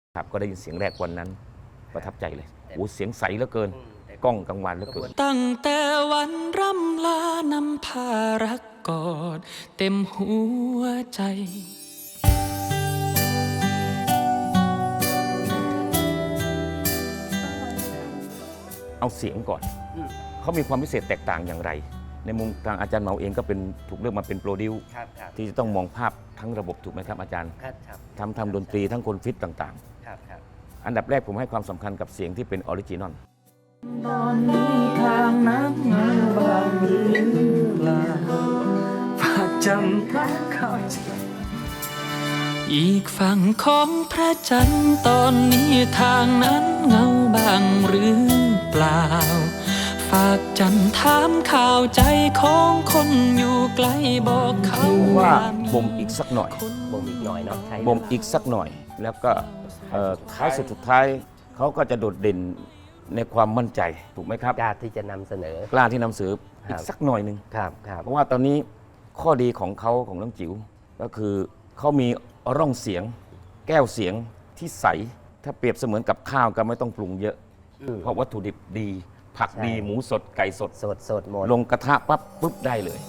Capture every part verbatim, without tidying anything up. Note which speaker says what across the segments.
Speaker 1: ครับก็ได้ยินเสียงแรกวันนั้นประทับใจเลยโอ้เสียงใสเหลือเกินกล้องกลางวันเหลือเกิน
Speaker 2: ตั้งแต่วันร่ำลานำพารักกอดเต็มหัวใจ
Speaker 1: เอาเสียงก่อนเขามีความพิเศษแตกต่างอย่างไรในมุมทางอาจารย์เหมาเองก็เป็นถูกเลือกมาเป็นโปรดิวซ์ที่จะต้องมองภาพทั้งระบบถูกไหมครับอาจารย์ทำทำดนตรีทั้งคนฟิตต่างๆอันดับแรกผมให้ความสำคัญกับเสียงที่เป็นออริจินอล
Speaker 2: ตอนนี้ทางนั้นเงาบางหรือเปล่าฝากจำทักเข้าใจอีกฝั่งของพระจันทร์ตอนนี้ทางนั้นเงาบางหรือเปล่าฝากจันถามข่าวใจของคนอยู่ไกลบอกเขา
Speaker 1: ว่าบ่มอีกสักหน่อย
Speaker 3: บ่มอีกหน่อยเนาะ
Speaker 1: บ่มอีกสักหน่อยแล้วก็ท้ายสุดสุดท้ายเขาก็จะโดดเด่นในความมั่นใจถูกไหมครับ
Speaker 3: กล้าที่จะนำเสนอก
Speaker 1: ล้าที่นำเสนออีกสักหน่อยหนึ่ง
Speaker 3: ครับครับ
Speaker 1: เพราะว่าตอนนี้ข้อดีของเขาของน้องจิ๋วก็คือเขามีร่องเสียงแก้วเสียงที่ใสถ้าเปรียบเสมือนกับข้าวก็ไม่ต้องปรุงเยอะเพราะวัตถุดิบดีผักดีหมูสดไก่สด
Speaker 3: สดสดหมด
Speaker 1: ลงกระทะปั๊บปุ๊บได้เลย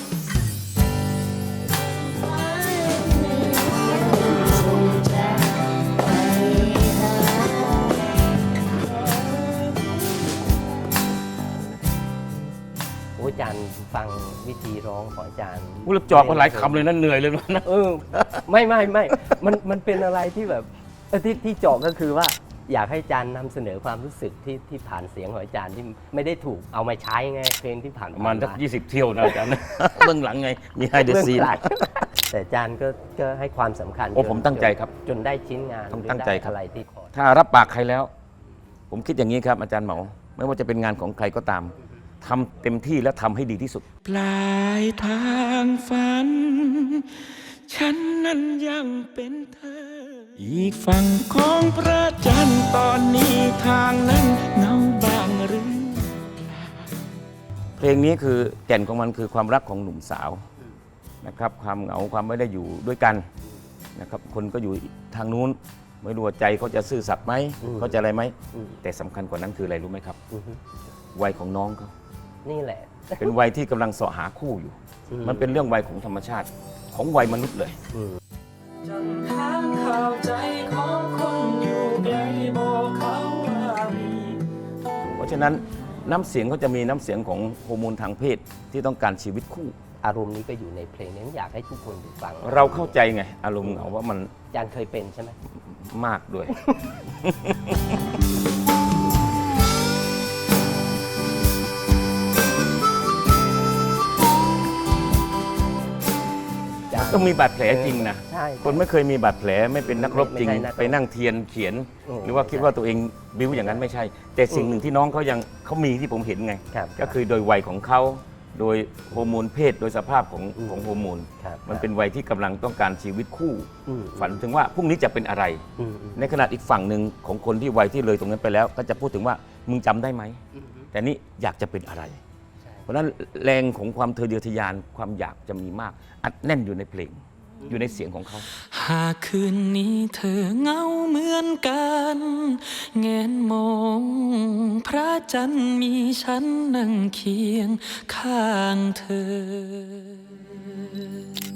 Speaker 3: อาจารย์ฟังวิธีร้องของอาจารย์
Speaker 1: พูดจอบมาหลายคำเลยนั่นเหนื่อยเลยนะ
Speaker 3: เออไม่ไม่ไม่มันมันเป็นอะไรที่แบบที่ที่เจาะก็คือว่าอยากให้อาจารย์นำเสนอความรู้สึกที่ที่ผ่านเสียงของอาจารย์ที่ไม่ได้ถูกเอามาใช้ไงเพลงที่ผ่าน
Speaker 1: ประมาณสักยี่สิบเที่ยวนะอาจารย์เบื้องหลังไงมีไฮเดอร์ซีน
Speaker 3: แต่อาจารย์ก็ก็ให้ความสำคัญ
Speaker 1: โอ้ผมตั้งใจครับ
Speaker 3: จนได้ชิ้นงาน
Speaker 1: ตั้งใจ
Speaker 3: อะไรที่ขอ
Speaker 1: ถ้ารับปากใครแล้วผมคิดอย่างนี้ครับอาจารย์เหมาไม่ว่าจะเป็นงานของใครก็ตามทำเต็มที่และทำให้ดีที่สุด
Speaker 2: ปลายทางฝันฉันนั้นยังเป็นเธออีกฝั่งของพระจันทร์ตอนนี้ทางนั้นเงาบางหรือ
Speaker 1: เพลงนี้คือแก่นของมันคือความรักของหนุ่มสาวนะครับความเหงาความไม่ได้อยู่ด้วยกันนะครับคนก็อยู่ทางนู้นไม่รู้ว่าใจเขาจะซื่อสัตย์ไหมเขาจะอะไรไหมแต่สำคัญกว่านั้นคืออะไรรู้ไหมครับวัยของน้องเขา
Speaker 3: นี่แหละ
Speaker 1: เป็นวัยที่กำลังเสาะหาคู่อยู่มันเป็นเรื่องวัยของธรรมชาติของวัยมนุษย์เลยเพราะฉะนั้นน้ำเสียงเขาจะมีน้ำเสียงของฮอร์โมนทางเพศที่ต้องการชีวิตคู่
Speaker 3: อารมณ์นี้ก็อยู่ในเพลงนี้อยากให้ทุกคนฟัง
Speaker 1: เราเข้าใจไงอารมณ์เหงาว่ามัน
Speaker 3: อาจารย์เคยเป็นใช่ไหม
Speaker 1: มากด้วยต้องมีบาดแผลจริงนะคนไม่เคยมีบาดแผลไม่เป็นนักรบจริงไปนั่งเทียนเขียนหรือว่าคิดว่าตัวเองบิ้วอย่างนั้นไม่ใช่แต่สิ่งหนึ่งที่น้องเขายังเขามีที่ผมเห็นไงก็คือโดยวัยของเขาโดยฮอร์โมนเพศโดยสภาพของของฮอร์โมนมันเป็นวัยที่กำลังต้องการชีวิตคู่ฝันถึงว่าพรุ่งนี้จะเป็นอะไรในขณะอีกฝั่งหนึ่งของคนที่วัยที่เลยตรงนั้นไปแล้วก็จะพูดถึงว่ามึงจำได้ไหมแต่นี่อยากจะเป็นอะไรเพราะฉะนั้นแรงของความทะเยอทะยานความอยากจะมีมากอัดแน่นอยู่ในเพลงอยู่ในเสียงของเขา
Speaker 2: หากคืนนี้เธอเงาเหมือนกันแงนมองพระจันทร์มีฉันนั่งเคียงข้างเธอ